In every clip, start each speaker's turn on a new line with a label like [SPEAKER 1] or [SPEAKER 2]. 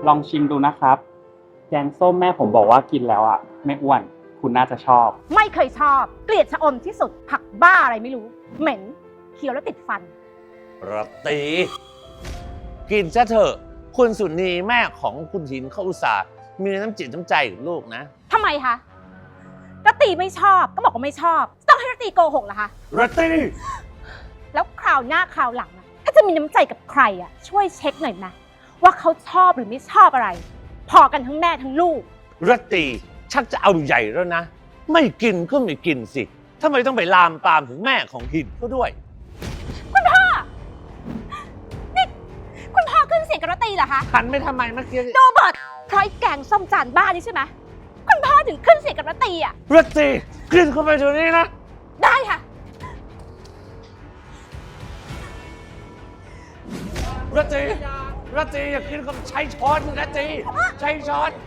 [SPEAKER 1] ลองชิมดูนะครับแกงส้มแม่ผมบอกว่ากินแล้วอ่ะไม่อ้วนคุณน่าจะชอบ
[SPEAKER 2] ไม่เคยชอบเกลียดชะอมที่สุดผักบ้าอะไรไม่รู้เหม็นเคี้ยวแล้วติดฟัน
[SPEAKER 3] รัตตีกินซะเถอะคุณสุนีแม่ของคุณหินเขาอุตส่าห์มีน้ำจิตน้ำใจกับลูกนะ
[SPEAKER 2] ทำไมคะรัตตีไม่ชอบก็บอกว่าไม่ชอบต้องให้รัตตีโกหกเหรอคะ
[SPEAKER 3] รัตตี
[SPEAKER 2] แล้วคราวหน้าคราวหลังถ้าจะมีน้ำใจกับใครอ่ะช่วยเช็คหน่อยนะว่าเขาชอบหรือไม่ชอบอะไรพอกันทั้งแม่ทั้งลูก
[SPEAKER 3] รัตตีชักจะเอาใหญ่แล้วนะไม่กินก็ไม่กินสิทำไมต้องไปลามปามถึงแม่ของหินก็ด้วย
[SPEAKER 2] คุณพ่อนี่คุณพ่อขึ้นเสียงกับรัตตีเหรอคะ
[SPEAKER 3] หันไปทำไมเมื่อกี้
[SPEAKER 2] โรเบิร์ตเพราะไอ้แกงส้มจานบ้านี่ใช่ไหมคุณพ่อถึงขึ้นเสียงกับรัตตีอ่ะ
[SPEAKER 3] รัตตีกินเข้าไปเดี๋ยวนี้นะ
[SPEAKER 2] ได้ค่ะ
[SPEAKER 3] รัตตีอย่ากินกับใช้ช้อนรัตตีใช้ช้อน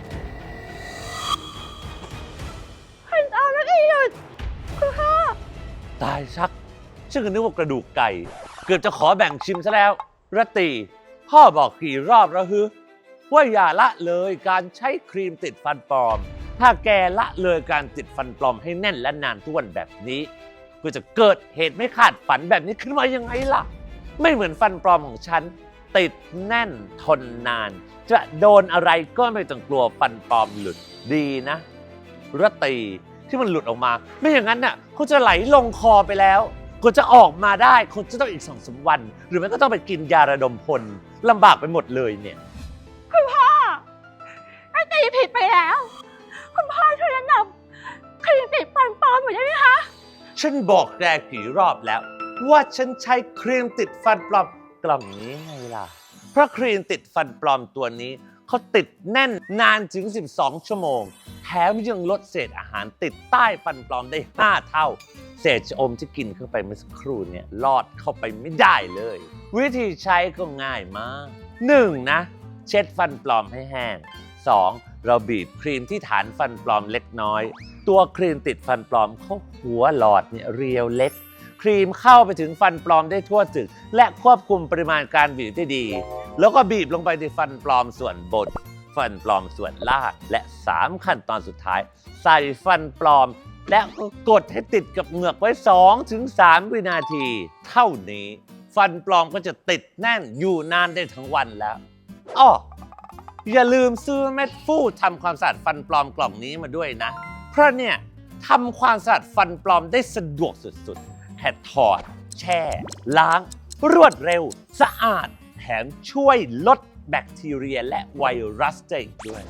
[SPEAKER 2] เอารัตตีหยุดคุณพ่อ
[SPEAKER 3] ตายชักฉันก็นึกว่ากระดูกไก่เกือบจะขอแบ่งชิมซะแล้วรัตตีพ่อบอกกี่รอบแล้วฮึว่าอย่าละเลยการใช้ครีมติดฟันปลอมถ้าแกละเลยการติดฟันปลอมให้แน่นและนานทุกวันแบบนี้ก็จะเกิดเหตุไม่คาดฝันแบบนี้ขึ้นมายังไงล่ะไม่เหมือนฟันปลอมของฉันติดแน่นทนนานจะโดนอะไรก็ไม่ต้องกลัวฟันปลอมหลุดดีนะรัตตีที่มันหลุดออกมาไม่อย่างนั้นน่ะเขาจะไหลลงคอไปแล้วก็จะออกมาได้คนจะต้องอีก2-3 วันหรือไม่ก็ต้องไปกินยาระดมพลลำบากไปหมดเลยเนี่ย
[SPEAKER 2] คุณพ่อรัตตีผิดไปแล้วคุณพ่อช่วยแนะนำครีมติดฟันปลอมหน่อยได้ไหมคะ
[SPEAKER 3] ฉันบอกแกกี่รอบแล้วว่าฉันใช้ครีมติดฟันปลอมกล่องนี้ไงล่ะเพราะครีมติดฟันปลอมตัวนี้เขาติดแน่นนานถึง12 ชั่วโมงแถมยังลดเศษอาหารติดใต้ฟันปลอมได้5 เท่าเศษชะอมที่กินเข้าไปเมื่อสักครู่เนี่ยลอดเข้าไปไม่ได้เลยวิธีใช้ก็ง่ายมาก 1. นะเช็ดฟันปลอมให้แห้ง 2. เราบีบครีมที่ฐานฟันปลอมเล็กน้อยตัวครีมติดฟันปลอมเขาหัวหลอดเนี่ยเรียวเล็กครีมเข้าไปถึงฟันปลอมได้ทั่วถึงและควบคุมปริมาณการบีบได้ดีแล้วก็บีบลงไปในฟันปลอมส่วนบนฟันปลอมส่วนล่างและ3 ขั้นตอนสุดท้ายใส่ฟันปลอมและกดให้ติดกับเหงือกไว้ 2-3 วินาทีเท่านี้ฟันปลอมก็จะติดแน่นอยู่นานได้ทั้งวันแล้วอ้ออย่าลืมซื้อเม็ดฟูทำความสะอาดฟันปลอมกล่องนี้มาด้วยนะเพราะเนี่ยทำความสะอาดฟันปลอมได้สะดวกสุดๆแค่ถอดแช่ล้างรวดเร็วสะอาดแถมช่วยลดแบคทีเรียและไวรัสได้อีกด้วย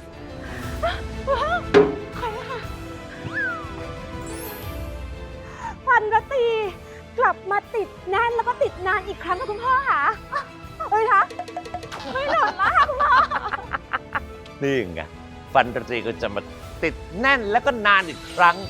[SPEAKER 2] ฟันรัตตีกลับมาติดแน่นแล้วก็ติดนานอีกครั้งค่ะคุณพ่อค่ะเฮ้ยคะไม่หลุดแล้วค่ะคุณพ่อ
[SPEAKER 3] นี่ไงฟันรัตตีก็จะมาติดแน่นแล้วก็นานอีกครั้ง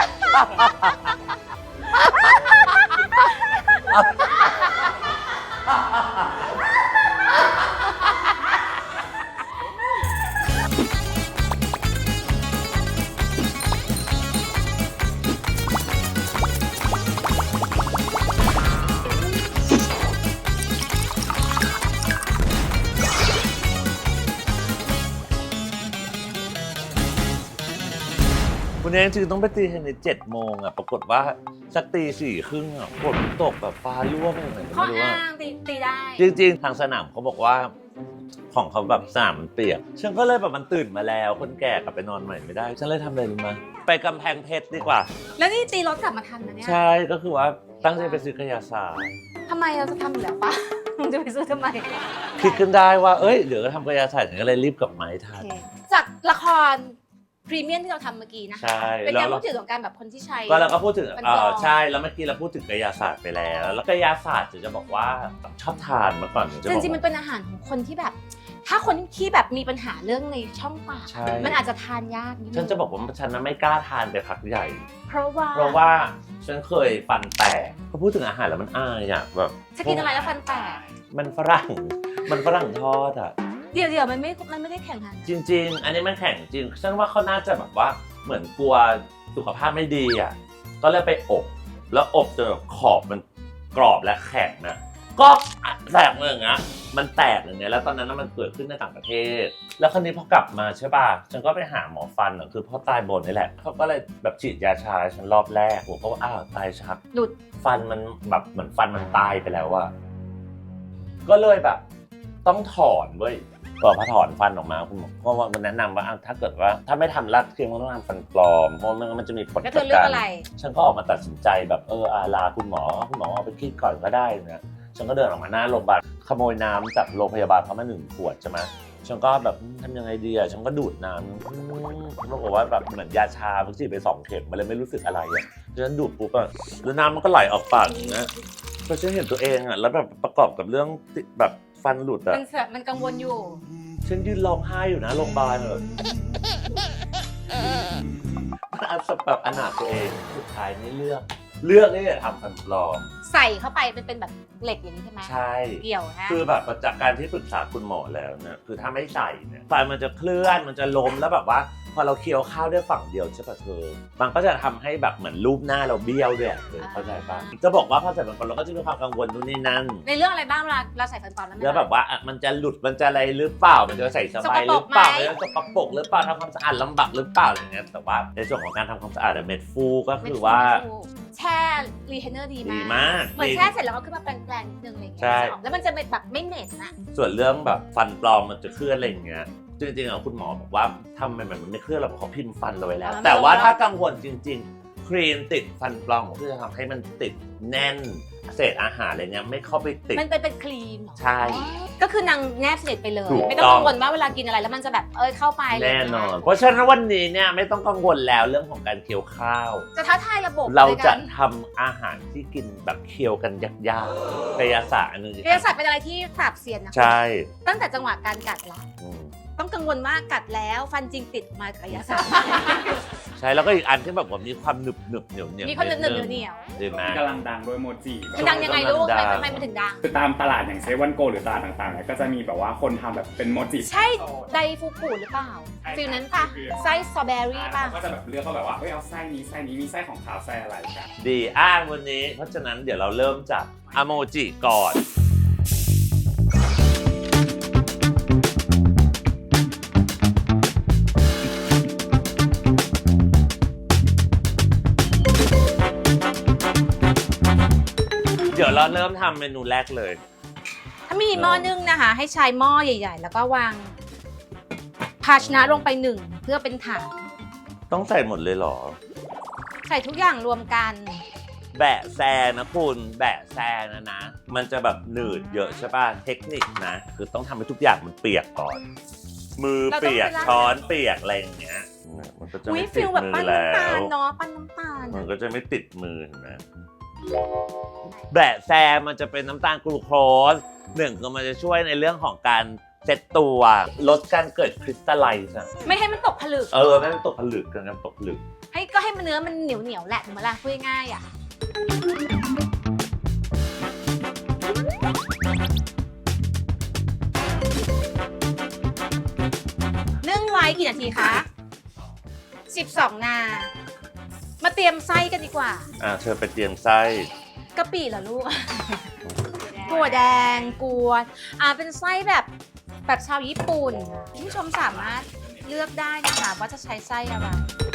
[SPEAKER 3] คุณเองจึงต้องไปตีใน7 โมงอ่ะปรากฏว่าสักตี 4:30อ่ะฝนตกแบบฟ้ารั่วไปไหน
[SPEAKER 2] ก็ไม่รู้ว่าตีได้
[SPEAKER 3] จริงๆทางสนามเขาบอกว่าของเขาแบบสนามมันเปียกฉันก็เลยแบบมันตื่นมาแล้วคนแก่กลับไปนอนใหม่ไม่ได้ฉันเลยทำอะไรรู้ไหมไปกำแพงเพชรดีกว่า
[SPEAKER 2] แล้วนี่ตีรถกลับมาทันนะเนี่ย
[SPEAKER 3] ใช่ก็คือว่าตั้งใจไปซื้อกระยาศาสตร์
[SPEAKER 2] ทำไมเราจะทำอยู่แล้วปะมึงจะไปซื้อทำไม
[SPEAKER 3] คิดขึ้นได้ว่าเอ้ยเดี๋ยวก็ทำกระยาศาสตร์ฉันก็เลยรีบกลับมาให้ทัน
[SPEAKER 2] จากละครพรีเมียมที่เราทำเมื่อกี้นะคะเป็นการพูดถึงของการแบบคนที่ใช้
[SPEAKER 3] ก็เราก็พูดถึงใช่แล้วเมื่อกี้เราพูดถึงกายศาสตร์ไปแล้วกายศาสตร์จะบอกว่าชอบทานเมื่อก่อน
[SPEAKER 2] จริงๆมันเป็นอาหารของคนที่แบบถ้าคนที่แบบมีปัญหาเรื่องในช่องปากมันอาจจะทานยากนิดนึง
[SPEAKER 3] ฉันจะบอกว่าฉันนั้นไม่กล้าทานไปพักใหญ่
[SPEAKER 2] เพราะ
[SPEAKER 3] ว่าฉันเคยฟันแตกพอพูดถึงอาหารแล้วมันอายอ่ะแบบ
[SPEAKER 2] จะกินอะไรแล้วฟันแตก
[SPEAKER 3] มันฝรั่งทอดอ่ะ
[SPEAKER 2] เดี๋ยวมันไม่ได้แข่งกัน
[SPEAKER 3] จริงๆอันนี้มันแข่งจริงฉันว่าเขาน่าจะแบบว่าเหมือนกลัวสุขภาพไม่ดีอ่ะก็เลยไปอบแล้วอบจนขอบมันกรอบและแข็งนะก็แตกเลยอย่างเงี้ยมันแตกอย่างเงี้ยแล้วตอนนั้นมันเกิดขึ้นในต่างประเทศ แล้วคราวนี้พอกลับมาใช่ป่ะฉันก็ไปหาหมอฟันคือพ่อตายบนนี่แหละเขาก็เลยแบบฉีดยาชาฉันรอบแรกผมก็ว่าอ้าวตายชัก
[SPEAKER 2] หลุด
[SPEAKER 3] ฟันมันแบบเหมือนฟันมันตายไปแล้วอะก็เลยแบบต้องถอนเว้ยพอถอนฟันออกมาคุณหมอก็ว่ามันแนะนำว่าถ้าเกิดว่าถ้าไม่ทำรัดเคียงก็ต้องทำฟันปลอมเพราะมันจะมีผล
[SPEAKER 2] แล้วเธ
[SPEAKER 3] ต่
[SPEAKER 2] อเลือกอะไร
[SPEAKER 3] ฉันก็ออกมาตัดสินใจแบบลาคุณหมอเอาไปคิดก่อนก็ได้นะฉันก็เดินออกมาหน้าโรงพยาบาลขโมยน้ำจากโรงพยาบาลเขามา1 ขวดใช่ไหมฉันก็แบบทำยังไงดีอะฉันก็ดูดน้ำปรากฏว่าแบบเหมือนยาชาเพิ่งฉีดไป2 เข็มมันเลยไม่รู้สึกอะไรอะฉันดูดปุ๊บอะแล้วน้ำมันก็ไหลออกปากอย่างเงี้ยพอฉันเห็นตัวเองอะแล้วแบบประกอบกับเรื่องแบบฟันหลุดอะ
[SPEAKER 2] มันกังวลอยู่
[SPEAKER 3] ฉันยืนร้องไห้อยู่นะโรงพยาบาลแบบอนาถตัวเองสุดท้ายนี่เลือกนี่จะทำฟันปลอม
[SPEAKER 2] ใส่เข้าไปเป็นแบบเหล็กอย่างนี้ใช่ไหม
[SPEAKER 3] ใช่
[SPEAKER 2] เกี่ยวฮะ
[SPEAKER 3] คือแบบจากการที่ปรึกษาคุณหมอแล้วเนี่ยคือถ้าไม่ใส่เนี่ยฟันมันจะเคลื่อนมันจะล้มแล้วแบบว่าพอเราเคี้ยวข้าวด้วยฝั่งเดียวใช่ป่ะเธอมันก็จะทำให้แบบเหมือนรูปหน้าเราเบี้ยวด้วยเข้าใจป่ะจะบอกว่าพอใส่ฟันปลอมเราก็จะมีความกังวลนู่นนี่นั่น
[SPEAKER 2] ในเรื่องอะไรบ้างเวลาเราใส่ฟันปลอมแล้วมัน
[SPEAKER 3] แล้วแบบว่ามันจะหลุดมันจะอะไรหรือเปล่ามันจะใส่สบายหรือเปล่ามันจะสกปรกหรือเปล่าทำความสะอาดลำบากหรือเปล่าอะไรเงี้ยแต่ว่าในส่วนของการทำความสะอาดเม็ดฟูก็คือว่า
[SPEAKER 2] แช่รีเทนเนอร์ดี
[SPEAKER 3] ดี
[SPEAKER 2] มาก
[SPEAKER 3] มาก
[SPEAKER 2] เหมือนแช่เสร็จแล้วก็ขึ้นมาแปรงๆนิดนึงอะไรอย่างเงี้
[SPEAKER 3] ใช่
[SPEAKER 2] ยแล้วมันจะเป็นแบบไม่เหม็นอะ
[SPEAKER 3] ส่วนเรื่องแบบฟันปลอมมันจะเคลื่อนอะไรอย่างเงี้ยจริงๆคุณหมอบอกว่าทำไมมันไม่เคลื่อนเราเขาพิมพ์ฟันเราไว้แล้ว แต่ว่าถ้ากังวลจริงๆครีมติดฟันปลอมก็จะทำให้มันติดแน่นเศษอาหารอะไรเงี้ยไม่เข้าไปติด
[SPEAKER 2] มันเป็นครีมเหรอ
[SPEAKER 3] ใช่
[SPEAKER 2] ก็คือนางแนบสนิทไปเลย
[SPEAKER 3] ถูก
[SPEAKER 2] ไม่ต้อง
[SPEAKER 3] ต้อง
[SPEAKER 2] กังวลว่าเวลากินอะไรแล้วมันจะแบบเข้าไปเลย
[SPEAKER 3] แน่นอน เพราะฉะนั้นวันนี้เนี่ยไม่ต้องกังวลแล้วเรื่องของการเคี้ยวข้าว
[SPEAKER 2] จะท้าทายระบบ
[SPEAKER 3] เรา
[SPEAKER 2] ลย
[SPEAKER 3] จะ
[SPEAKER 2] กัน
[SPEAKER 3] ทำอาหารที่กินแบบเคี้ยวกันยากๆกายศาสตร์อันนึง
[SPEAKER 2] กายศาสตร์เป็นอะไรที่ปราบเซียนนะ
[SPEAKER 3] ใช่
[SPEAKER 2] ตั้งแต่จังหวะการกัดละ
[SPEAKER 3] อืม
[SPEAKER 2] ต้องกังวลว่ากัดแล้วฟันจริงติดมากับกายศาสตร์
[SPEAKER 3] ใช่แล้วก็อีกอันที่แบบว่ามีความหนึบเหนียว
[SPEAKER 2] มีคนหนึบเหนียว
[SPEAKER 3] ดีไหม
[SPEAKER 1] กำลังดังด้วยโมจิ
[SPEAKER 2] ๆมันดังยังไงลูกทำไมมันถึงดัง
[SPEAKER 1] คือตามตลาดอย่างเซเว่นโกหรือตลาดต่างๆเนี่ยก็จะมีแบบว่าคนทำแบบเป็นโมจิ
[SPEAKER 2] ใช่ไดฟูกุหรือเปล่าฟิลนั้นปะไส้สตรอเบอรี่ปะ
[SPEAKER 1] ก็จะแบบเลือกเขาแบบว่าเฮ้ยเอาไส้นี้มีไส้ของขาวไส้อะไรกัน
[SPEAKER 3] ดีวันนี้เพราะฉะนั้นเดี๋ยวเราเริ่มจากอโมจิก่อนเดี๋ยวเราเริ่มทำเมนูแรกเลย
[SPEAKER 2] ถ้ามีหม้อนึ่งนะคะ ให้ใช้หม้อใหญ่ ๆ แล้วก็วางภาชนะลงไป1เพื่อเป็นฐาน
[SPEAKER 3] ต้องใส่หมดเลยเหรอ
[SPEAKER 2] ใส่ทุกอย่างรวมกัน
[SPEAKER 3] แบะแซนะคุณแบะแซนะมันจะแบบหนืดเยอะใช่ป่ะเทคนิคนะคือต้องทำให้ทุกอย่างมันเปียกก่อน มือเปียก
[SPEAKER 2] เราต้องไปล้าง
[SPEAKER 3] ช้อนเปียกอะไรอย่างเงี้ยมันก็จะ
[SPEAKER 2] อุ้ย
[SPEAKER 3] ไม่ติ
[SPEAKER 2] ฟิ
[SPEAKER 3] ด
[SPEAKER 2] ลแบบ
[SPEAKER 3] มื
[SPEAKER 2] ปั้
[SPEAKER 3] อน แล้
[SPEAKER 2] น้ำตาว ลเนาะปั้นน้ำตาล
[SPEAKER 3] มันก็จะไม่ติดมือเห็นไหมแบะแซมันจะเป็นน้ำตาลกลูโคสก็มันจะช่วยในเรื่องของการเซตตัวลดการเกิดคริสตัลไลซ์อะ
[SPEAKER 2] ไม่ให้มันตกผลึก
[SPEAKER 3] ไม่ให้ตกผลึกกันตกผลึก
[SPEAKER 2] ให้มันเนื้อมันเหนียวแหละถูกไหมล่ะพูดง่ายๆอ่ะนึ่งไว้กี่นาทีคะ12 นามาเตรียมไส้กันดีกว่า
[SPEAKER 3] เธอไปเตรียมไส้
[SPEAKER 2] กะปิเหรอลูก ถั่วแดงกวนเป็นไส้แบบชาวญี่ปุ่นคุณผู้ชมสามารถเลือกได้นะคะว่าจะใช้ไส้อะไร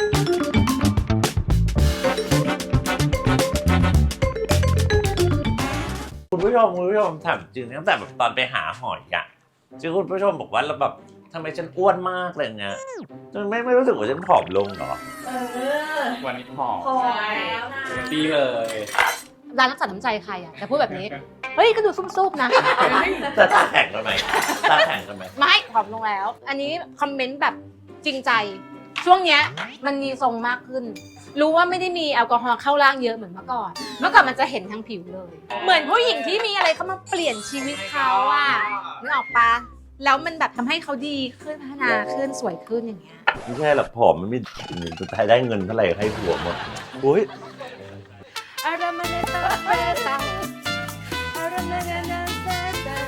[SPEAKER 3] คุณผู้ชมถามจริงตั้งแต่แบบตอนไปหาหอยอะที่คุณผู้ชมบอกว่าเราแบบทำไมฉันอ้วนมากเลยเงี้ยจนไม่รู้สึกว่าฉันผอมลงเหรอ
[SPEAKER 1] วันนี้ผอม
[SPEAKER 2] พอแล้วนะ
[SPEAKER 1] ดีเลย
[SPEAKER 2] ร้านน้ำสัตว์น้ำใจใครอ่ะแต่พูดแบบนี้ เฮ้ยก็ดูซุ่มๆนะ
[SPEAKER 3] จะตาแข็งทำไมตาแข็งทำไม
[SPEAKER 2] ไม่ผอมลงแล้ว อันนี้คอมเมนต์แบบจริงใจ ช่วงเนี้ยมันมีทรงมากขึ้น รู้ว่าไม่ได้มีแอลกอฮอล์เข้าร่างเยอะเหมือนเมื่อก่อน เมื่อก่อนมันจะเห็นทั้งผิวเลย เหมือนผู้หญิงที่มีอะไรเข้ามาเปลี่ยนชีวิตเขาอ่ะนึกออกปะแล้วมันแบบทำให้เขาดีขึ้นพัฒนาขึ้นสวยขึ้นอย่างเงี้ย
[SPEAKER 3] ไม่ใช่หรอกผอมมันไม่สุดท้ายได้เงินเท่าไหร่ให้ผัวหมดอุ้ย
[SPEAKER 2] อะไรมาในตาเปตาอะไรมาในตาเปตา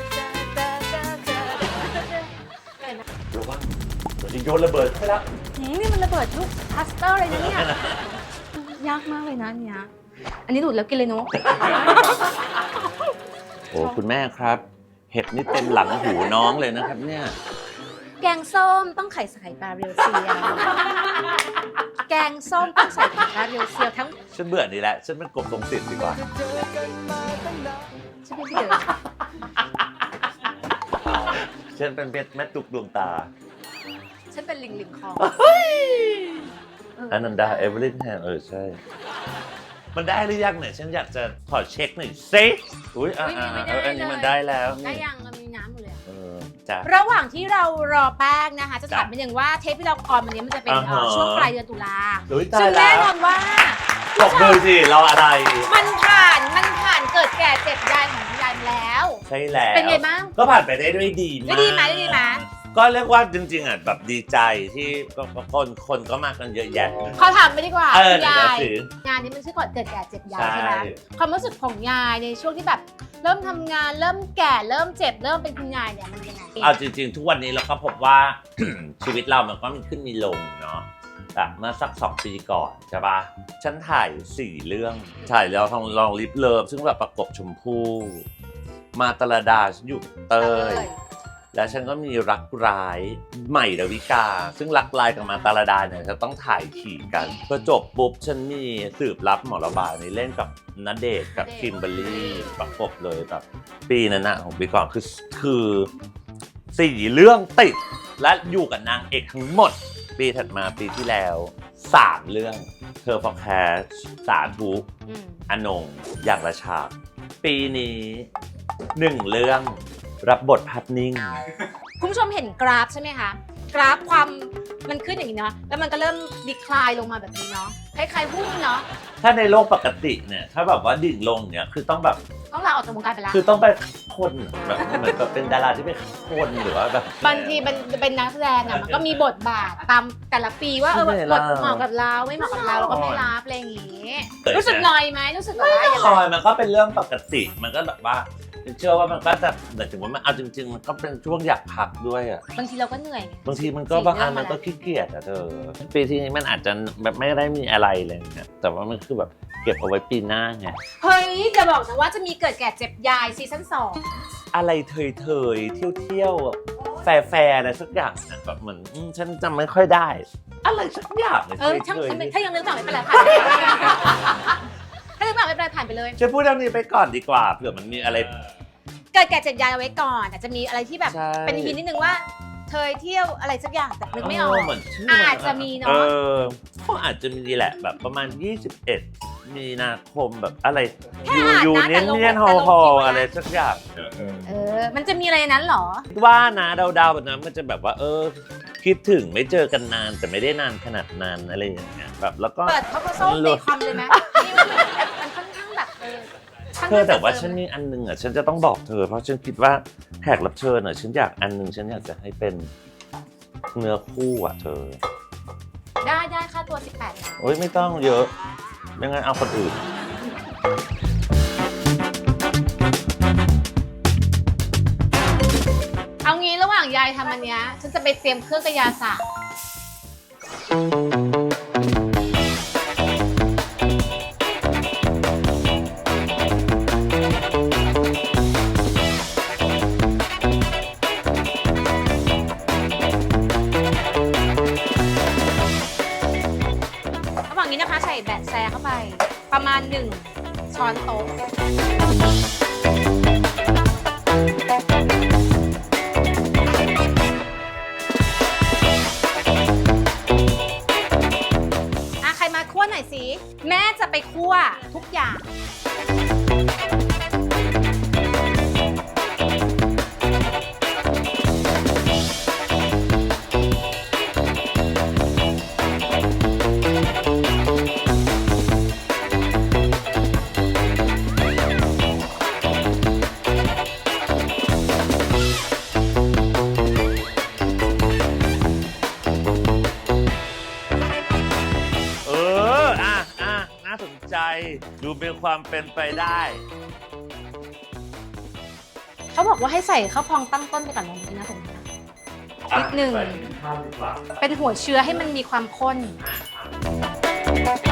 [SPEAKER 3] ระวังเดี๋ยวจะโยนระเบิดไปแล้ว
[SPEAKER 2] นี่มันระเบิดลูกพลาสเตอร์เลยนะเนี่ยยากมากเลยนะอันเนี้ยอันนี้ดูดแล้วกินเลยเนาะ
[SPEAKER 3] โอ้คุณแม่ครับ เห็ดนี่เต็มหลังหูน้องเลยนะครับเนี่ย
[SPEAKER 2] แกงส้มต้องใส่ปลาเรียวเซียวแกงส้มต้องใส่ปลาเรียวเซียวทั้ง
[SPEAKER 3] ฉันเบื่อนี่แหละฉันเป็นกบทรงสิทธิ์ดีกว่า
[SPEAKER 2] ฉันไม่เดือด
[SPEAKER 3] ฉันเป็นเพชรแม่ตุกดวงตา
[SPEAKER 2] ฉันเป็นลิงคอง
[SPEAKER 3] อนันดาเอเวอร์ลินแฮนใช่ มันได้หรือยังเนี่ยฉันอยากจะขอเช็คหน่อยสิอุ้ยอันนี้มันได้แล้ว
[SPEAKER 2] ได้ยังมันมีน้ำอยู่เลย
[SPEAKER 3] จ้ะ
[SPEAKER 2] ระหว่างที่เรารอแป้งนะคะ จะ
[SPEAKER 3] จ้ะ
[SPEAKER 2] ถามเป็นอย่างว่าเทปที่เราออนวันนี้มันจะเป็น ช่วงปลายเดือนตุลา
[SPEAKER 3] อุ๊ยตา
[SPEAKER 2] ซึ่
[SPEAKER 3] ย
[SPEAKER 2] ง
[SPEAKER 3] แล้
[SPEAKER 2] แน่
[SPEAKER 3] วน
[SPEAKER 2] อนว่า
[SPEAKER 3] บอกมือสิเราอะไร
[SPEAKER 2] มันผ่านเกิดแก่เจ็บยายของคุณยายมาแล้ว
[SPEAKER 3] ใช่แล้ว
[SPEAKER 2] เป็นไงบ้าง
[SPEAKER 3] ก็ผ่านไปได้ด้วยดีมาก
[SPEAKER 2] ได้ดีไหม
[SPEAKER 3] ก็เรียกว่าจริงๆอ่ะแบบดีใจที่คนก็มากันเยอะแยะ
[SPEAKER 2] ขอถามไปดีกว่า
[SPEAKER 3] เดี๋
[SPEAKER 2] คุณ
[SPEAKER 3] ยวย
[SPEAKER 2] าย
[SPEAKER 3] ถือ
[SPEAKER 2] งานนี้มันชื่อก่อนเกิดแก่เจ็บยาย
[SPEAKER 3] ใช่
[SPEAKER 2] ใช่ไหมความรู้สึกของยายในช่วงที่แบบ เริ่มทำงานเริ่มแก่เริ่มเจ็บเริ่มเป็นคุณยายเนี่ยมันยังไง
[SPEAKER 3] เอาจริงๆ ทุกวันนี้เราก็พบว่า ชีวิตเรามันก็มีขึ้นมีลงเนาะแบบเมื่อสัก2 ปีก่อนใช่ปะฉันถ่าย4 เรื่องถ่ายแล้วลองลิฟเลิฟซึ่งแบบประกบชมพู่มาตลดาฉันอยู่เตย แล้วฉันก็มีรักร้ายใหม่ดาวิกา ซึ่งรักร้ายกับมาตาลดาเนี่ยจะต้องถ่ายขี่กันพอจบปุ๊บฉันมีสืบรับหมอระบายในเล่นกับณเดชน์กับคิมเบอรรี่ประกบเลยแบบปีนั้นนะของปีก่อนคือ4 เรื่องติดและอยู่กับนางเอกทั้งหมด ปีถัดมาปีที่แล้ว3 เรื่องเธอพอแคสสาธุอนงอย่างละฉากปีนี้1 เรื่องรับบทภาพนิ่ง
[SPEAKER 2] คุณผู้ชมเห็นกราฟใช่ไหมคะ กราฟความมันขึ้นอย่างนี้เนาะ แล้วมันก็เริ่มดีคลายลงมาแบบนี้เนาะ คล้ายๆหุ้นเนาะ
[SPEAKER 3] ถ้าในโลกปกติเนี่ยถ้าแบบว่าดิ่งลงเนี่ยคือต้องแบบ
[SPEAKER 2] ต้องลาออกจากวงการไปแล้ว
[SPEAKER 3] คือต้องไปคนแบบเหมือนแบบเป็นดาราที่เป็นคนหรือว่าแบบ
[SPEAKER 2] บางทีมันเป็นนักแสดงอะมันก็มีบทบาทตามแต่ละปีว่า
[SPEAKER 3] ไม่
[SPEAKER 2] บท
[SPEAKER 3] ได้
[SPEAKER 2] เหมาะกับเราไม่เหมาะกับเราเราก็ไม่รับอะไรอย่างงี้
[SPEAKER 3] เออ
[SPEAKER 2] รู้สึกหน่อยไหมรู้สึกแบบว่าอย่าง
[SPEAKER 3] ค
[SPEAKER 2] ไร
[SPEAKER 3] อยมันก็เป็นเรื่องปกติมันก็แบบว่าเชื่อว่ามันก็จะแต่ถึงว่ามันเอาจริงๆมันก็เป็นช่วงอยากพักด้วยอ่ะ
[SPEAKER 2] บางทีเราก็เหนื่อยไง
[SPEAKER 3] บางทีมันก็บางอันมันก็ขี้เกียจอ่ะเธอปีที่นี้มันอาจจะแบบไม่ได้มีอะไรเลยเนี่ยแต่ว่ามันคือแบบเก็บเอาไว้ปีหน้าไง
[SPEAKER 2] เฮ้ยจะบอกนะว่าจะมีเกิดแก่เจ็บยายซีซั่น2
[SPEAKER 3] อะไรเทยๆเที่ยวๆแฟร์ๆอะไรสักอย่างนะแบบเหมือนฉันจำไม่ค่อยได้ อะไรสักอย่างเลย
[SPEAKER 2] ช่าง
[SPEAKER 3] เทยๆ
[SPEAKER 2] ถ้ายังนึกต่อไม่เป็นไรผ่านไปถ้านึกต่อไม่เป็นไรผ่านไปเลย
[SPEAKER 3] ฉันพูดเรื่องนี้ไปก่อนดีกว่าเผื่อมันมีอะไร
[SPEAKER 2] เกิดแก่เจ็บยายเอาไว้ก่อนอาจจะมีอะไรที่แบบ
[SPEAKER 3] ใช่
[SPEAKER 2] เป็นฮินนิดนึงว่าเธอเที่ยวอะไรสักอย่างแต่นึกไม่ออก
[SPEAKER 3] เหมือนชื่อ
[SPEAKER 2] อาจจะมีเนอะ
[SPEAKER 3] ก็อาจจะมีแหละแบบประมาณ 21 มีนาคมแบบอะไร
[SPEAKER 2] แค่อ่านนะ
[SPEAKER 3] ยู
[SPEAKER 2] แต่
[SPEAKER 3] เนียน
[SPEAKER 2] ลง
[SPEAKER 3] เนียน
[SPEAKER 2] แต่
[SPEAKER 3] ฮอ
[SPEAKER 2] ลง
[SPEAKER 3] ฮอ
[SPEAKER 2] คลิปไว้นะ
[SPEAKER 3] อะไรสักอย่าง
[SPEAKER 2] มันจะมีอะไรในนั้นเหรอ
[SPEAKER 3] คิดว่านะเดาๆแบบนั้นมันจะแบบว่าคิดถึงไม่เจอกันนานแต่ไม่ได้นานขนาดนั้นอะไรอย่างเงี้ยแบบแล้วก็
[SPEAKER 2] เปิดเขาก็โซ่ในคอมเลยไหมนี่มันค่อนข้างแบบค่อน
[SPEAKER 3] เธ
[SPEAKER 2] ข้
[SPEAKER 3] อง แต่ว่า
[SPEAKER 2] เติม
[SPEAKER 3] ฉันมีอันนึงอ่ะฉันจะต้องบอกเธอเพราะฉันคิดว่าแขกรับเชิญอ่ะฉันอยากอันนึงฉันอยากจะให้เป็นเนื้อคู่อ่ะเธอ
[SPEAKER 2] ได้ค่าตัว18 ล้าน
[SPEAKER 3] โอ๊ยไม่ต้องเยอะไม่งั้นเอาคนอื่น
[SPEAKER 2] เอางี้ระหว่างยายทำอันเนี้ยฉันจะไปเตรียมเครื่องกระยาศาสตร์ระหว่างนี้นะคะใส่แบะแซเข้าไปประมาณ1 ช้อนโต๊ะ ใครมาคั่วหน่อยสิ แม่จะไปคั่วทุกอย่าง
[SPEAKER 3] น่าสนใจดูเป็นความเป็นไปได้
[SPEAKER 2] เขาบอกว่าให้ใส่ข้าวพองตั้งต้นไปก่อนนะนี่นะผมนิดหนึ่งเป็นหัวเชื้อให้มันมีความข้น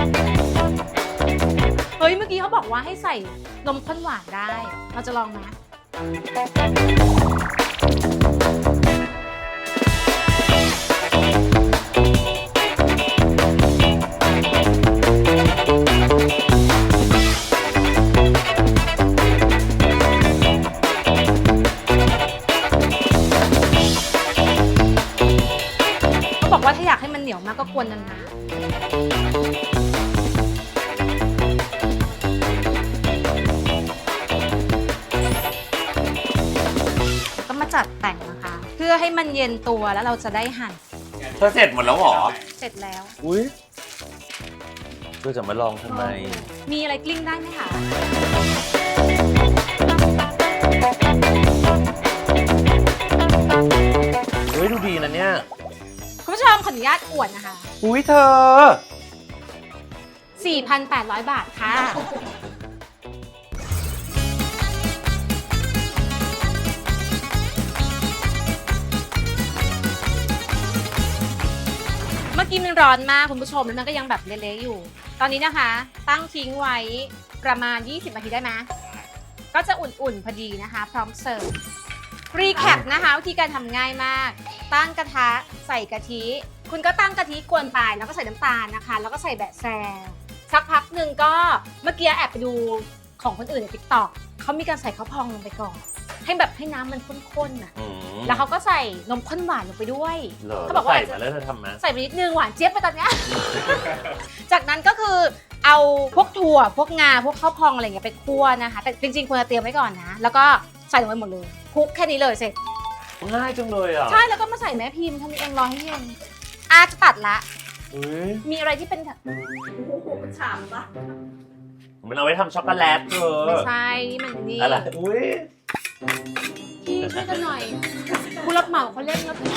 [SPEAKER 2] เฮ้ย เมื่อกี้เขาบอกว่าให้ใส่นมข้นหวานได้ เราจะลองไหมเขาบอกว่าถ้าอยากให้มันเหนียวมากก็กวนนานๆก็มาจัดแต่งนะคะ เพื่อให้มันเย็นตัวแล้วเราจะได้หั่น
[SPEAKER 3] เธอเสร็จหมดแล้วเหรอ
[SPEAKER 2] เสร็จแล้ว
[SPEAKER 3] อุ้ยเธอจะมาลองทำไม
[SPEAKER 2] มีอะไรกลิ้งได้ไหมคะ
[SPEAKER 3] เฮ้ย ดูดีนะเนี่ย
[SPEAKER 2] คุณผู้ชมขออนุญาตอวดนะคะ
[SPEAKER 3] อุ้ยเธอ
[SPEAKER 2] 4,800 บาทค่ะ เมื่อกี้มันร้อนมากคุณผู้ชมแล้วมันก็ยังแบบเละๆอยู่ ตอนนี้นะคะ ตั้งทิ้งไว้ประมาณ 20 นาทีได้ไหมก็จะอุ่นๆพอดีนะคะ พร้อมเสิร์ฟ รีแคปนะคะวิธีการทำง่ายมาก ตั้งกระทะใส่กะทิ คุณก็ตั้งกะทิกวนไปแล้วก็ใส่น้ำตาลนะคะ แล้วก็ใส่แบะแซสักพักหนึ่งก็เมื่อกี้แอบไปดูของคนอื่นใน TikTok เขามีการใส่ข้าวพองลงไปก่อน ให้แบบให้น้ำมันข้นๆน่ะ แล้วเขาก็ใส่นมข้นหวานลงไปด้วย
[SPEAKER 3] เหรอ
[SPEAKER 2] เขาบอกว่า
[SPEAKER 3] ใส่มาแล้วเธอทำไหม
[SPEAKER 2] ใส่ไปนิดนึงหวานเจี๊ยบไปตอนเนี้ย จากนั้นก็คือเอาพวกถั่วพวกงาพวกข้าวพองอะไรอย่างเงี้ยไปคั่วนะคะ แต่จริงๆควรจะเตรียมไว้ก่อนนะ แล้วก็ใส่ลงไปหมดเลยคลุกแค่นี้เลยเสร็จ
[SPEAKER 3] ง่ายจังเลยอ่ะ
[SPEAKER 2] ใช่แล้วก็มาใส่แม่พิมพ์ทำเองรอให้เย็นจะตัดละ
[SPEAKER 3] อุ้ย
[SPEAKER 2] มีอะไรที่เป็น
[SPEAKER 4] ฉ่ำปะ
[SPEAKER 3] มันเอาไว้ทำช็อกโกแลตเธอ
[SPEAKER 2] ไม่ใช่นี่มันนี่
[SPEAKER 3] อะไร อุ้ย
[SPEAKER 2] พี่ช่วยกันหน่อยผู้รับเหมาเขาเล่นแล้วพี่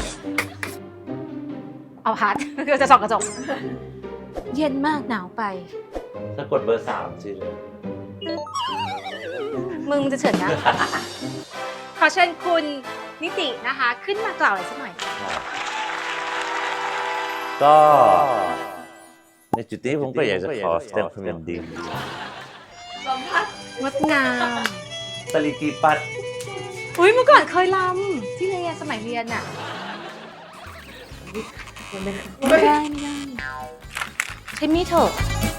[SPEAKER 2] เอาพัด คือจะส่องกระจก เย็นมากหนาวไป
[SPEAKER 3] ถ้ากดเบอร์ 3 สิ
[SPEAKER 2] มึงจะเฉินนะ ขอเชิญคุณนิตินะคะ ขึ้นมากล่าวอะไรสักหน่อยค่ะ
[SPEAKER 3] ก็ในจุดนี้ผมก็อยากจะขอแสดงความยินดี
[SPEAKER 4] ลองพัด
[SPEAKER 2] งดงาม
[SPEAKER 3] สลิกีปัด
[SPEAKER 2] อุ้ยเมื่อก่อนเคยรำที่เรียนสมัยเรียนอะไม่ได้ใช้มีดเถอะ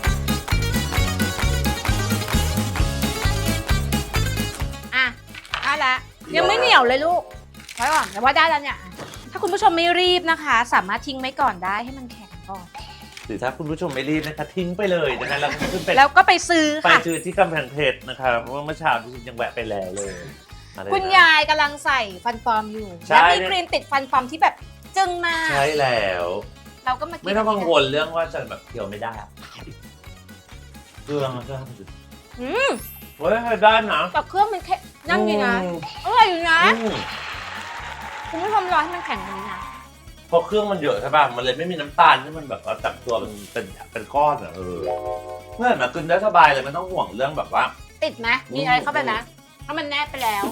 [SPEAKER 2] อ่ะได้ละยังไม่เหนียวเลยลูกไว้ก่อนแต่ว่าได้แล้วเนี่ย ถ้าคุณผู้ชมไม่รีบนะคะ สามารถทิ้งไว้ก่อนได้ให้มันแข็งก่อน
[SPEAKER 3] หรือถ้าคุณผู้ชมไม่รีบนะคะทิ้งไปเลยนะคะแล้วก็ขึ้นไป
[SPEAKER 2] แล้วก็ไปซื้อ
[SPEAKER 3] ไป
[SPEAKER 2] ค่ะ
[SPEAKER 3] ซื้อที่กำแพงเพชรนะคะเพราะว่าเมื่อเช้าที่ฉันยังแวะไปแล้วเลยอะไรนะ
[SPEAKER 2] คุณยายกำลังใส่ฟันปลอมอยู่
[SPEAKER 3] ใช่
[SPEAKER 2] แล้วมีครีมติดฟันปลอมที่แบบจึ้งมาก
[SPEAKER 3] ใช่แล้ว
[SPEAKER 2] เราก็มากิน
[SPEAKER 3] ไม่ต้องกังวลเรื่องว่าจะแบบเคี้ยวไม่ได้อะเครื่องมันก็ทำจุด
[SPEAKER 2] อืม
[SPEAKER 3] เฮ้ยได้นะ
[SPEAKER 2] แต่เครื่องมันแค่นั่นดีนะ
[SPEAKER 3] อืม
[SPEAKER 2] อร่อยอยู่นะ
[SPEAKER 3] อืม
[SPEAKER 2] คุณผู้ชมรอให้มันแข็งกว่านี้นะ
[SPEAKER 3] เพราะเครื่องมันเยอะใช่ป่ะมันเลยไม่มีน้ำตาลที่มันแบบว่าจับตัวมันเป็นก้อนอ่ะเมื่อมากินได้สบายเลยไม่ต้องห่วงเรื่องแบบว่า
[SPEAKER 2] ติดไหมมีอะไรเข้าไปนะถ้ามันแนบไปแล้ว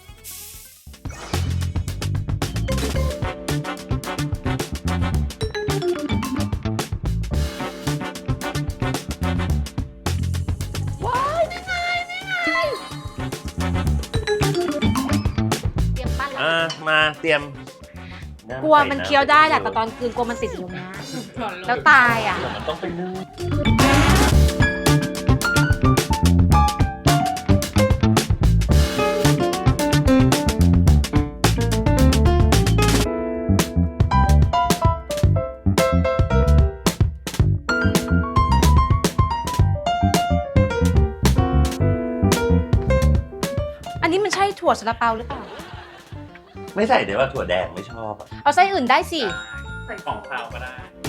[SPEAKER 2] ว้ายนี่ไงเตรียมปั้นแล้ว
[SPEAKER 3] มาเตรียม
[SPEAKER 2] กลัวมันเคี้ยวได้แหละแต่ตอนคืนกลัวมันติดอยู่นะแล้วตายอ่ะ
[SPEAKER 3] แต่มันต้องไปนึ่ง
[SPEAKER 2] อันนี้มันใช่ถั่วซาลาเปาหรือเปล่า
[SPEAKER 3] ไม่ใส่เดี๋ยวว่าถั่วแดงไม่ชอบอะ
[SPEAKER 2] เอาไส้อื่นได้สิ
[SPEAKER 1] ใส่ของข้าวก็ได้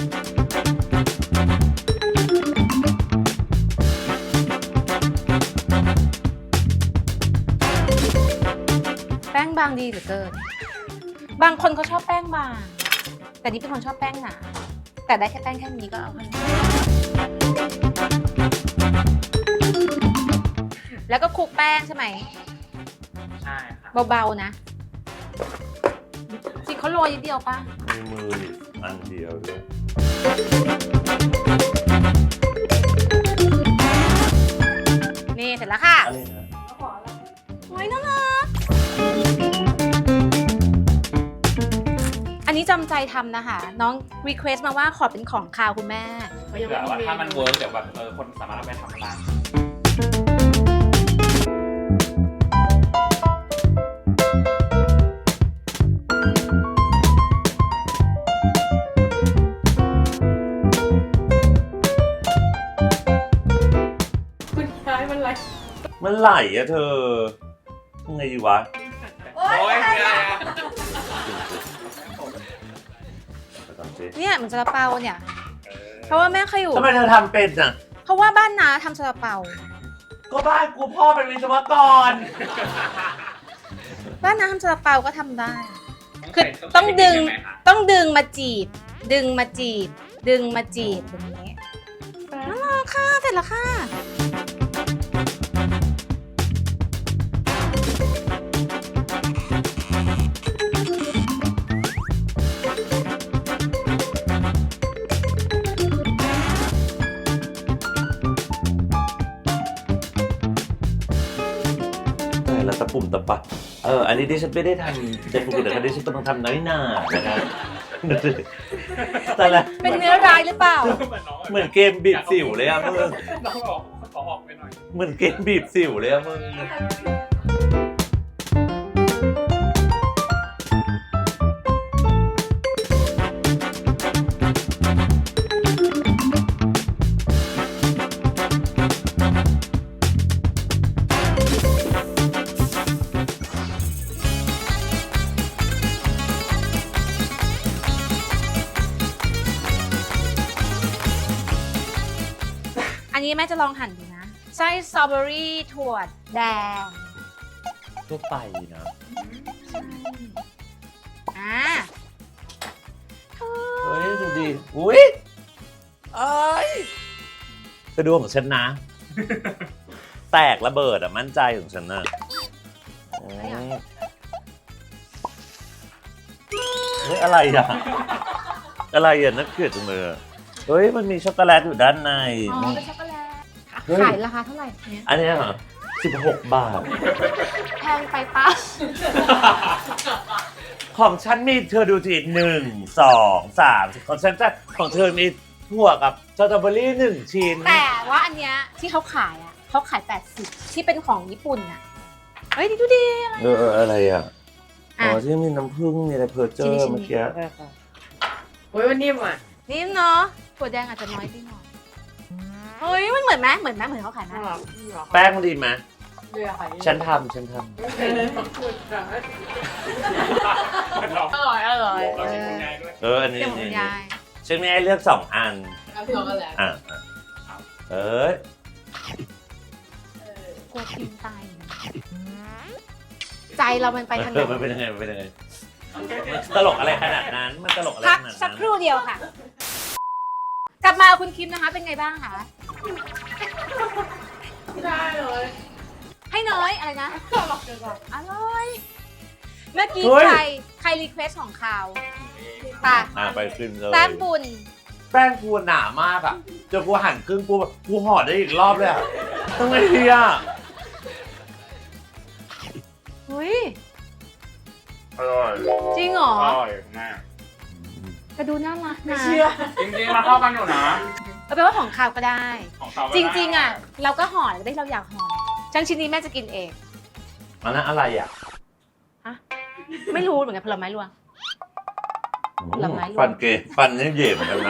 [SPEAKER 2] แป้งบางดีเหลือเกิน บางคนเขาชอบแป้งบาง แต่นี่เป็นคนชอบแป้งหนา แต่ได้แค่แป้งแค่นี้ก็เอาค่ะแล้วก็คลุกแป้งใช่ไหม
[SPEAKER 1] ใช่ครับ
[SPEAKER 2] เบาๆนะจริงเขาโรยนิดเดียวป่ะ
[SPEAKER 3] มีมือนี่อันเดียวด้วย
[SPEAKER 2] นี่เสร็จแล้วค่ะ
[SPEAKER 3] อะไรนะ
[SPEAKER 2] โอ้ยน่ารัจำใจทำนะคะ น้องรีเควสต์มาว่าขอเป็นของคาวคุณแม่
[SPEAKER 4] เขายัง
[SPEAKER 1] เผื่
[SPEAKER 4] ไม่
[SPEAKER 1] อว่า
[SPEAKER 4] มี
[SPEAKER 1] ถ้ามันเวิร์กเดี๋ยวแบบคนสามารถเอาไปทำได้
[SPEAKER 4] คุณย้ายมันอะไร
[SPEAKER 3] มันไหลอะเธอยังไงดีวะ
[SPEAKER 4] โอ๊ย
[SPEAKER 2] เนี่ยมันซาลาเปาเนี่ย เพราะว่าแม่เคยอยู่
[SPEAKER 3] ทำไมเธอทำเป็นอ่ะ
[SPEAKER 2] เพราะว่าบ้านน้าทำซาลาเปา
[SPEAKER 3] ก็บ้านกูพ่อเป็นวิศวกร
[SPEAKER 2] บ้านน้าทำซาลาเปาก็ทำได้ คือต้องดึงมาจีบ ดึงมาจีบ ดึงมาจีบแบบนี้น่ารักค่ะเสร็จแล้วค่ะ
[SPEAKER 3] แล้วตะปุ่มตะปัดอันนี้ดิฉันไม่ได้ทำแต่ปกติแต่ดิฉันกำลังทำน้อยหนานะครับแต่ละ
[SPEAKER 2] เป็นเนื้อร้ายหรือเปล่า
[SPEAKER 3] เหมือนเกมบีบสิวเลยอะมึง
[SPEAKER 1] น้องบอกขอออกไปหน่อย
[SPEAKER 3] เหมือนเกมบีบสิวเลยอะมึง
[SPEAKER 2] อันนี้แม่จะลองหั่นดูนะไส้สตรอเบอรี่ถั่วแดง
[SPEAKER 3] ทั่วไปนะ
[SPEAKER 2] อ่า
[SPEAKER 3] เฮ้ยดูดิอุ้ยเอ้ยจะดูของฉันนะ แตกระเบิดอะมั่นใจของฉันนะอืมเฮ้ยอะไรอะอะไรอะน่าเกลียดจังเลยอะเฮ้ยมันมีช็อกโกแลตอยู่ด้านใน
[SPEAKER 2] อ๋อเป็นช็อกโกแลต
[SPEAKER 3] เฮ้ย
[SPEAKER 2] ขายราคาเท่าไหร่เนี่ย
[SPEAKER 3] อันเนี้ยเหรอ16 บาท
[SPEAKER 2] แพงไปปะ
[SPEAKER 3] ของฉันมีเธอดูสิ1 2 3ของฉันจะของเธอมีถั่วกับสตรอเบอรี่1 ชิ้น
[SPEAKER 2] แต่ว่าอันเนี้ยที่เขาขายอ่ะเขาขาย80ที่เป็นของญี่ปุ่นอ่ะเฮ้ยดูดิ
[SPEAKER 3] อะไรอ่ะอ๋
[SPEAKER 2] อ่ะ
[SPEAKER 3] อที่มีน้ำผึ้งมีอะไรเพอร์เจอ
[SPEAKER 2] ชิ้น
[SPEAKER 3] ร์
[SPEAKER 2] ๆ
[SPEAKER 3] เมื่อกี้
[SPEAKER 4] โอ้ยมันนิ่มอ่ะ
[SPEAKER 2] นิ่มเนาะถั่วแดงอาจจะน้อยไปหน่อยเฮ้ยมันเหมือนไหมเหมือนเขาขายไหม
[SPEAKER 4] น่ารัก
[SPEAKER 3] แป้งดีไหม
[SPEAKER 4] เรือค่ะ
[SPEAKER 3] ฉันทำ
[SPEAKER 4] อร่อยอร่อย
[SPEAKER 1] เราชิมคุณยายด้วย
[SPEAKER 3] อันนี้
[SPEAKER 2] เดี๋ยวคุณยาย
[SPEAKER 3] ฉันมีให้เลือก2 อัน
[SPEAKER 4] เอาพี่น้องกันแหละ
[SPEAKER 3] อ่ะเอ้ย
[SPEAKER 2] กลัวกินตายอยู่นะใจเรามันไปทางไหน
[SPEAKER 3] มันเป็นยังไงมันเป็นยังไงตลกอะไรขนาดนั้นมันตลกอะไร
[SPEAKER 2] พัก
[SPEAKER 3] ขนาด
[SPEAKER 2] สัก
[SPEAKER 3] นั้น
[SPEAKER 2] ครู่เดียวค่ะ กลับมาคุณคิมนะคะ เป็นไงบ้างคะ
[SPEAKER 4] ได้เลย
[SPEAKER 2] ให้น้อยอะไรนะ อร่อย เมื่อกี้ใครรีเควสของข่าวปะ
[SPEAKER 3] ไปขึ้นเลย
[SPEAKER 2] แต้มบุญ
[SPEAKER 3] แป้งกูหนามากอ่ะเจอกูหั่นครึ่งกูแบบกูห่อได้อีกรอบเลยอ่ะทำไงดีอ่ะ
[SPEAKER 2] เฮ้ย
[SPEAKER 1] อร่อย
[SPEAKER 2] จริงเหรอ
[SPEAKER 1] อร่อยมาก
[SPEAKER 2] ก็ดูน่ารักนะ
[SPEAKER 4] เชื่อ
[SPEAKER 1] จริงๆมาเข้ากันอยู่นะ
[SPEAKER 2] เอาเป็นว่าของข่าวก็ได้
[SPEAKER 1] ของเขา
[SPEAKER 2] จริงๆอ่ะ เราก็ห่อแล้วได้เราอยากห่อฉันชิ้นนี้แม่จะกินเอง
[SPEAKER 3] อันนั้นอะไรอ่ะ
[SPEAKER 2] ไม่รู้เหมือนกันผลไม้รวง ผลไม้รวม
[SPEAKER 3] ฟันเกยฟันนี่เหย่เหมือนกันนะ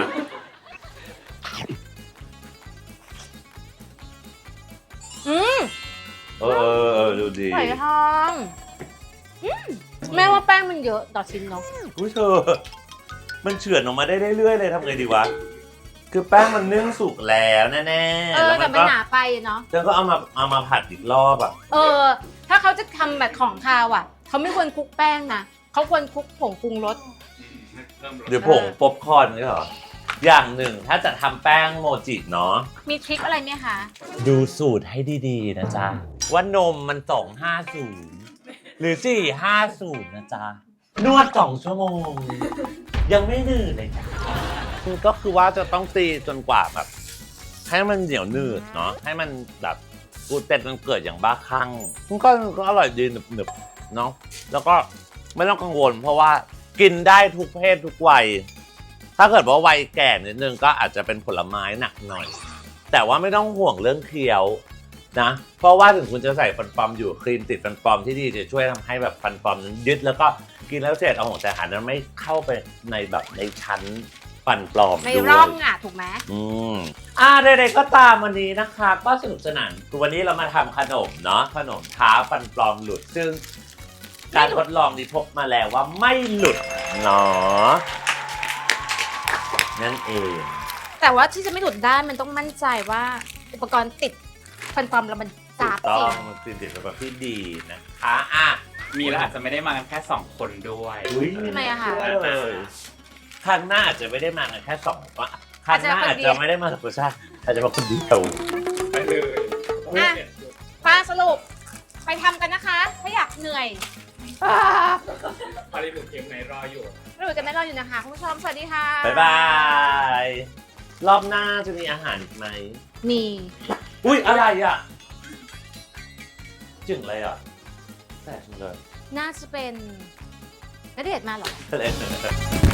[SPEAKER 2] อืม
[SPEAKER 3] ดูดี
[SPEAKER 2] หอยทองแม่ว่าแป้งมันเยอะต่อชิ้นเนาะ
[SPEAKER 3] อุ้ยเธอ มันเฉือนออกมาได้เรื่อยๆเลยทำไงดีวะ คือแป้งมันนึ่งสุกแล้วแน่ๆ แล้ว
[SPEAKER 2] แต่
[SPEAKER 3] มัน
[SPEAKER 2] มัน
[SPEAKER 3] ก็
[SPEAKER 2] หนาไปอะเนาะ
[SPEAKER 3] แล้วก็เอามาผัดอีกรอบอ่ะ
[SPEAKER 2] ถ้าเขาจะทำแบบของคาวอ่ะ เขาไม่ควรคลุกแป้งนะเขาควรคลุกผงปรุงรส
[SPEAKER 3] หรือผงป๊อปคอร์นนี่เหรอ อย่างหนึ่งถ้าจะทำแป้งโมจิเนาะ
[SPEAKER 2] มีทริคอะไรไหมคะ
[SPEAKER 3] ดูสูตรให้ดีๆนะจ๊ะ ว่านมมัน250 หรือ450 นะจ๊ะ นวด2 ชั่วโมง ยังไม่หนืดเลยจ้ะก็คือว่าจะต้องตีจนกว่าแบบ ให้มันเหนียวหนืดเนาะให้มันแบบกูเต็ดมันเกิดอย่างบ้าคลั่งมันก็อร่อยดีหนึบๆเนาะแล้วก็ไม่ต้องกังวลเพราะว่ากินได้ทุกเพศทุกวัย ถ้าเกิดว่าวัยแก่นิดนึงก็อาจจะเป็นผลไม้หนักหน่อย แต่ว่าไม่ต้องห่วงเรื่องเคี้ยวนะ เพราะว่าถึงคุณจะใส่ฟันปลอมอยู่ครีมติดฟันปลอมที่ดีจะช่วยทำให้แบบฟันปลอมนั้นยึดแล้วก็กินแล้วเศษอาหารแต่อาหารนั้นไม่เข้าไปในแบบในชั้นฟันปลอม
[SPEAKER 2] ไม่
[SPEAKER 3] ด้วย
[SPEAKER 2] ร่องอ่ะถูกไหม
[SPEAKER 3] ใดๆก็ตามวันนี้นะคะก็สนุกสนานคือวันนี้เรามาทำขนมเนาะขนมท้าฟันปลอมหลุดซึ่งการทดลองนี้พบมาแล้วว่าไม่หลุดเนาะนั่นเอง
[SPEAKER 2] แต่ว่าที่จะไม่หลุดได้มันต้องมั่นใจว่าอุปกรณ์ติดฟันปลอมแล้วมันจ้าบ
[SPEAKER 3] ต้อ
[SPEAKER 2] จริ
[SPEAKER 3] ง
[SPEAKER 2] ง
[SPEAKER 3] มันเป็นแบบที่ดีนะคะอ่ะ
[SPEAKER 1] มีแล้วอาจจะไม่ได้มากันแค่2 คนด้วย
[SPEAKER 2] ทำไมอะคะ
[SPEAKER 3] เลยครั้งหน้าอาจจะไม่ได้มากันแค่2คนครั้งหน้าอาจจะไม่ได้มากับผู้ชายอาจจะมาคนเดียว
[SPEAKER 1] ไปเลย
[SPEAKER 2] อ่ะป้าสรุปไปทำกันนะคะ ถ้าอยากเหนื่อย
[SPEAKER 1] พอดีหนูเกมไหนรออยู่
[SPEAKER 2] เราจะไม่รออยู่นะคะคุณผู้ชมสวัสดีค่ะ
[SPEAKER 3] บ๊ายบาย รอบหน้าจะมีอาหารอีกไหม
[SPEAKER 2] มี
[SPEAKER 3] อุ้ยอะไรอ่ะจึงอะไรอ่ะแต่จังเลย
[SPEAKER 2] น่าจะเป็นณเดชน์มาเหรอ
[SPEAKER 3] อะไร